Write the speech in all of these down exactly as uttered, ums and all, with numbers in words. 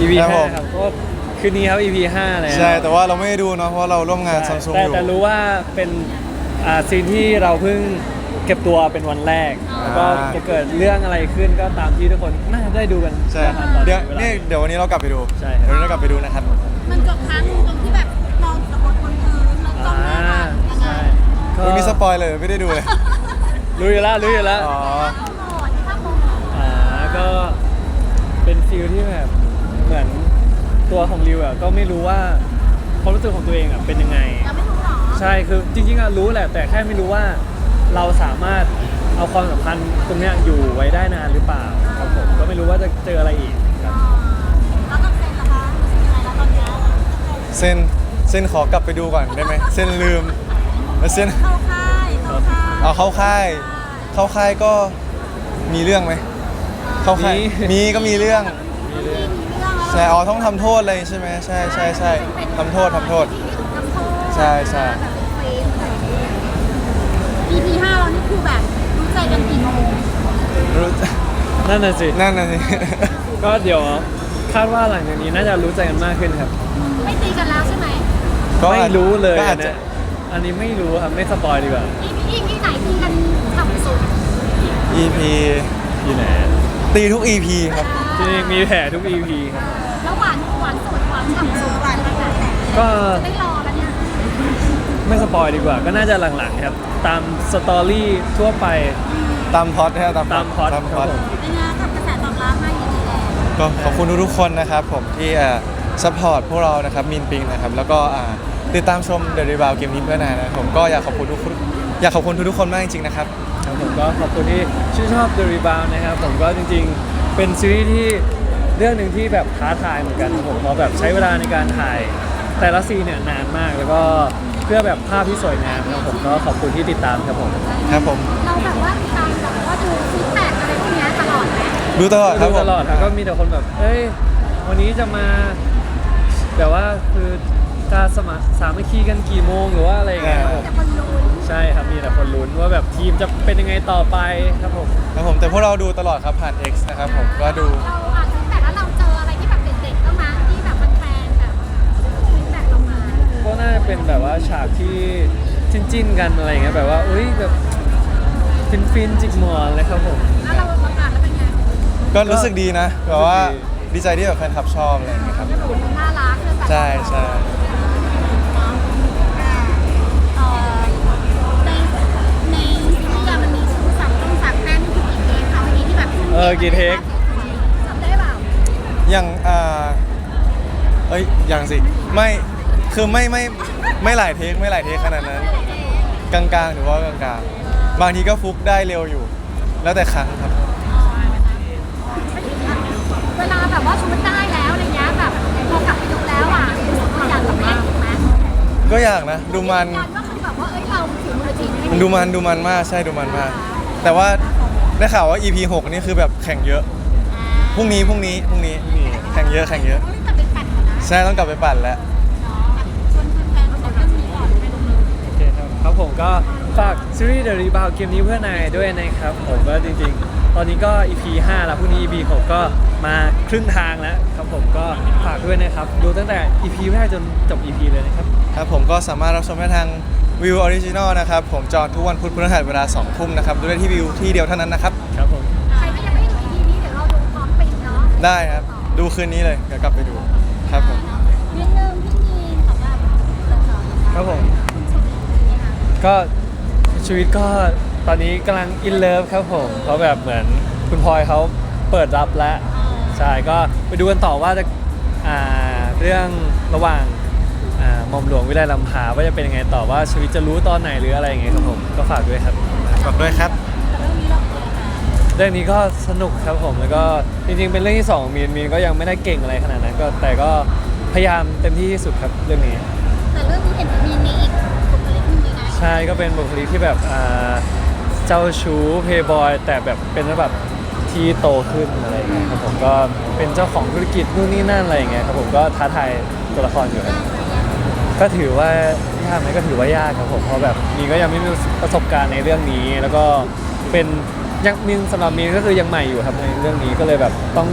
อี พีครับผห้าม ครับก็คืนนี้ครับ อี พี ห้าแล้วใช่แต่ว่าเราไม่ได้ดูเนาะเพราะเราร่วมงานใช่ซัมซุงแต่อยู่แต่รู้ว่าเป็นอ่าซีนที่เราเพิ่งเก็บตัวเป็นวันแรกแล้วก็จะเกิดเรื่องอะไรขึ้นก็ตามที่ทุกคนน่าจะได้ดูกันใช่นะครับตอนเดี๋ยววลานี่เดี๋ยววันนี้เรากลับไปดูใช่ครับเดี๋ยววันนี้เรากลับไปดูนะครับมันจบครั้งหนึ่งตรงที่แบบนอนกับบนบนพื้นแล้วจ้องหน้ากันยังไงใช่ก็วันนี้สปอยเลยไม่ได้ดูเลยรู้อยู่แล้วรู้อยู่แล้วอ๋อเอาโหมดภาพโหมดอ่าก็เป็นฟิลที่แบบเหมือนตัวของริวอ่ะก็ไม่รู้ว่าความรู้สึกของตัวเองอ่ะเป็นยังไงยังไม่รู้หรอใช่คือจริงๆอ่ะรู้แหละแต่แค่ไม่รู้ว่าเราสามารถเอาความสัมพันธ์ตรงเนี้ยอยู่ไว้ได้นานหรือเปล่าครับผมก็ไม่รู้ว่าจะเจออะไรอีกครับแล้วก็เซ็นละคะรู้สึกยังไงแล้วตอนเนี้ยเส้นเส้นขอกลับไปดูก่อนได้ไหมเส้นลืมแล้วเส้นเข้าค่ายเข้าค่ายเอาเข้าค่ายเข้าค่ายก็มีเรื่องไหมเข้าค่ายมีก็มีเรื่องมีเรื่องแล้วใช่อ๋อต้องทำโทษอะไรใช่ไหมใช่ใช่ใช่ทำโทษทำโทษทำโทษใช่ใช่แบบเป็นเฟรมอะไรอย่างเงี้ย อี พี ห้าเรานี่คือแบบรู้ใจกันกี่โมงรู้นั่นน่ะสินั่นน่ะสิก็เดี๋ยวคาดว่าหลังจากนี้น่าจะรู้ใจกันมากขึ้นครับไม่ตีกันแล้วใช่ไหมก็อาจไม่รู้เลยก็อาอัจนจะเนี้ยอันนี้ไม่รู้ครับไม่สปอยดีกว่าอี พี อี พีไหนตีกันฉ่ำสุดอี พีที่ไหนตีทุก อี พี ครับที่มีแผลทุก อี พี ครับแล้วหวานหวานสุดหวานฉ่ำสุดหวานขนาดไหนก็ไม่รอแล้วเนี่ยไม่สปอยดีกว่า ก็น่าจะหลังๆครับ ตามสตอรี่ทั่วไปตามพล็อดนะตามตามพล็อตตามคพล็รัอบ ตผมเป็นไงกับกระแสตอบรับมาอย่างนี้แล้วก็ขอบคุณทุกๆคนนะครับผมที่เอ่อซัพพอร์ตพวกเรานะครับมินปิงนะครับแล้วก็อ่าติดตามชม The Rebound เกมนี้เพื่อนายนะครับผมก็อยากขอบคุณทุกคนอยากขอบคุณทุกๆคนมากจริงๆนะครับครับผมก็ขอบคุณที่ชื่นชอบ The Rebound นะครับผมก็จริงๆ เป็นซีรีส์ที่เรื่องหนึ่งที่แบบท้าทายเหมือนกันครับผมเพราะแบบใช้เวลาในการถ่ายแต่ละซีนเนี่ยนานมาก แล้วก็เพื่อแบบภาพที่สวยงามครับผมก็ขอบคุณที่ติดตามครับผมครับผมเราแบบว่าติดตามแบบว่าดูฟีดแบ็กอะไรพวกเนี้ยตลอดไหมดูตลอดครับดูผมตลอดครับก็มีแต่คนแบบ เอ้ย วันนี้จะมาแบบว่าคือจะสมัครสามัคคีกันกี่โมงหรือว่าอะไรอย่างเงี้ยครับผมแต่คนลุ้นใช่ครับมีแต่คนลุ้นว่าแบบทีมจะเป็นยังไงต่อไปครับผมครับผมแต่พวกเราดูตลอดครับผ่าน X นะครับผมก็ดูเราอ่านฟีดแบ็กแล้วเราเจออะไรที่แบบเด็ดๆบ้างมั้ยที่แบบแฟนๆแบบฟีดแบ็กเรามาก็น่าจะเป็นแบบว่าฉากที่จิ้นๆกันอะไรอย่างเงี้ยแบบว่าอุ้ยแบบฟินฟินๆจิกหมอนเลยครับผมแล้วเราประกาศแล้วเป็นไงก็รู้สึกดีนะแบบว่ารู้สึกดีดีใจที่แบบแฟนคลับชอบอะไรอย่างเงี้ยครับแล้วแบบน่ารักเลยแบบใช่ใช่เอ่อในในซีรีส์อะมันมีชื่อสับต้องสับแป้นที่กี่เทคคะวันนี้ที่แบบเออกี่เทคจำได้เปล่าอย่างอ่าเอ้ยอย่างสิไม่คือไม่ไม่ไม่หลายเทคไม่หลายเทคขนาดนั้น กลางๆหรือว่ากลางๆบางทีก็ฟุกได้เร็วอยู่ แล้วแต่ครั้งครับเวลาแบบว่าชุดได้แล้วอะไรเงี้ยแบบพอกลับไปดูแล้วอ่ะรู้สึกว่าอยากกลับมาอีกไหมก็อยากนะ ดูมันยันว่าคือแบบว่าเอ้ยเราถือมือจริงมันดูมันดูมันมากใช่ดูมันมาก แต่ว่าได้ข่าวว่า อี พี หกนี่คือแบบแข่งเยอะพรุ่งนี้พรุ่งนี้พรุ่งนี้แข่งเยอะแข่งเยอะต้องรีบกลับไปปั่นก่อนนะใช่ต้องกลับไปปั่นแล้วชวนแฟนๆมาชมเรื่องนี้ก่อนไปดูเลยโอเคครับครับผมก็ฝากซีรีส์ The Rebound เกมนี้เพื่อนายด้วยนะครับผมก็จริงๆ ตอนนี้ก็ อี พี ห้าแล้วพรุ่งนี้ อี พี หกก็มาครึ่งทางแล้วครับผมก็ฝากด้วยนะครับ ดูตั้งแต่ อี พี แรกจนจบ อี พี เลยนะครับครับผมก็สามารถรับชมได้ทางวิวออริจินอลนะครับผมจอทุกวันพุธพฤหัสเวลาสองทุ่มนะครับดูได้ที่วิวที่เดียวเท่านั้นนะครับครับผมใครที่ยังไม่ได้ดู อี พี นี้เดี๋ยวเราดูพร้อมปิดเนาะได้ครับ ดูคืนนี้เลยเดี๋ยวกลับไปดูครับผมนิดนึงพี่มีนสำหรับเรื่องต่อๆครับผมคุณชมเป็นยังไงคะก็ชีวิตก็ตอนนี้กำลังอินเลิฟครับผมเพราะแบบเหมือนคุณพลอยเขาเปิดรับแล้วใช่ก็ไปดูกันต่อว่าจะอ่าเรื่องระหว่างอ่าหม่อมหลวงวิไลลำพาว่าจะเป็นยังไงต่อว่าชีวิตจะรู้ตอนไหนหรืออะไรอย่างเงี้ยครับผมก็ฝากด้วยครับฝากด้วยครับแต่เรื่องนี้เราเป็นยังไงเรื่องนี้ก็สนุกครับผมแล้วก็จริงๆเป็นเรื่องที่สองมีนมีนก็ยังไม่ได้เก่งอะไรขนาดนั้นก็แต่ก็พยายามเต็มที่ที่สุดครับเรื่องนี้แต่เรื่องนี้เห็นมีมีอีกบุคลิกหนึงเลยนะใช่ก็เป็นบุคลิกที่แบบอ่าเจ้าชู้เพย์บอยแต่แบบเป็นแบบที่โตขึ้นอะไรอย่างเงี้ยครับผมก็เป็นเจ้าของธุรกิจนู่นนี่นั่นอะไรอย่างเงี้ยครับผมก็ท้าทายตัวละครอยู่ครับก็ถือว่ายากไหมก็ถือว่ายากครับผมเพราะแบบมีนก็ยังไม่มีประสบการณ์ในเรื่องนี้ แล้วก็เป็นยังมีนสำหรับมีนก็คือยังใหม่อยู่ครับในเรื่องนี้ก็เลยแบบต้อง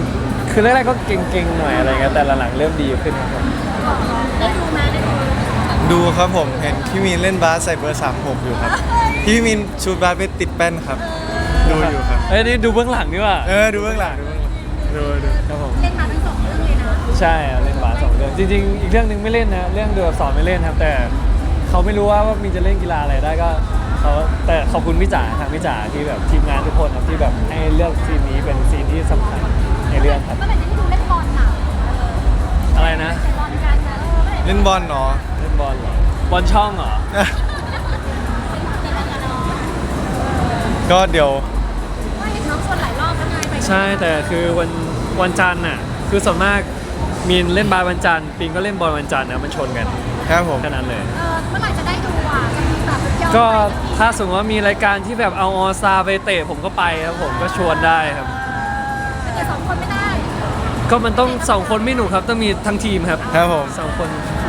คือแรกๆก็เก่งๆหน่อยอะไรเงี้ยแต่หลังๆเริ่มดีขึ้นครับผมได้ดูไหมได้ดูดูครับผมเห็นพี่มีนเล่นบาสใส่เบอร์สามหกอยู่ครับพี่มีนชูดบาสไปติดแป้นครับ ดูอยู่ครับเอ้ยนี่ดูเบื้องหลังดีกว่าเออดูเบื้องหลังดูเบื้องหลังดูดูครับผมเล่นมาทั้งสองเรื่องเลยนะใช่อะเล่นบาสสองเรื่องจริงๆอีกเรื่องหนึ่งไม่เล่นนะเรื่องดูอักษรไม่เล่นครับ แต่เขาไม่รู้ว่าว่ามีจะเล่นกีฬาอะไรได้ก็เขาแต่ขอบคุณพี่จ๋าทางพี่จ๋าที่แบบทีมงานทุกคนครับที่แบบให้เลือกซีนนี้เป็นซีนที่สำคัญในเรื่องครับเมื่อไหร่จะได้ดูเล่นบอลน่ะอะไรนะเตะบอลกันนะเออเมื่อไหร่เล่นบอลเนาะเล่นบอลเหรอบอลช่องเหรอเตะบอลกันเนาะก็เดี๋ยวว่าเห็นน้องชวนหลายรอบแล้วไงไปใช่แต่คือวันวันจันทร์น่ะคือส่วนมากมีนเล่นบาสวันจันทร์ปิงก็เล่นบอลวันจันทร์นะมันชนกันครับผมแค่นั้นเลยเออเมื่อไหร่จะได้ดูอ่ะจะมีแบบย้อนก็ไปถ้าสมมติว่ามีรายการที่แบบเอาออซาไปเตะผมก็ไปครับผมก็ชวนได้ครับแต่เตะสองคนไม่ได้ก็มันต้องสองคนไม่หนุกครับต้องมีทั้งทีมครับครับผมสองคน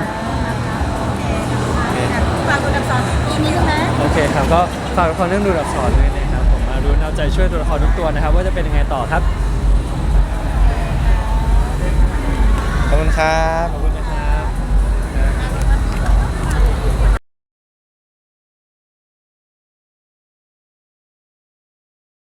ฝากคุณกับสอนอีกนิดนึงนะโอเคครับก็ฝากละครเรื่องดูดับสอนด้วยนะครับผมมารู้เอาใจช่วยตัวละครทุกตัวนะครับ ว่าจะเป็นยังไงต่อครับขอบคุณครับขอบคุณ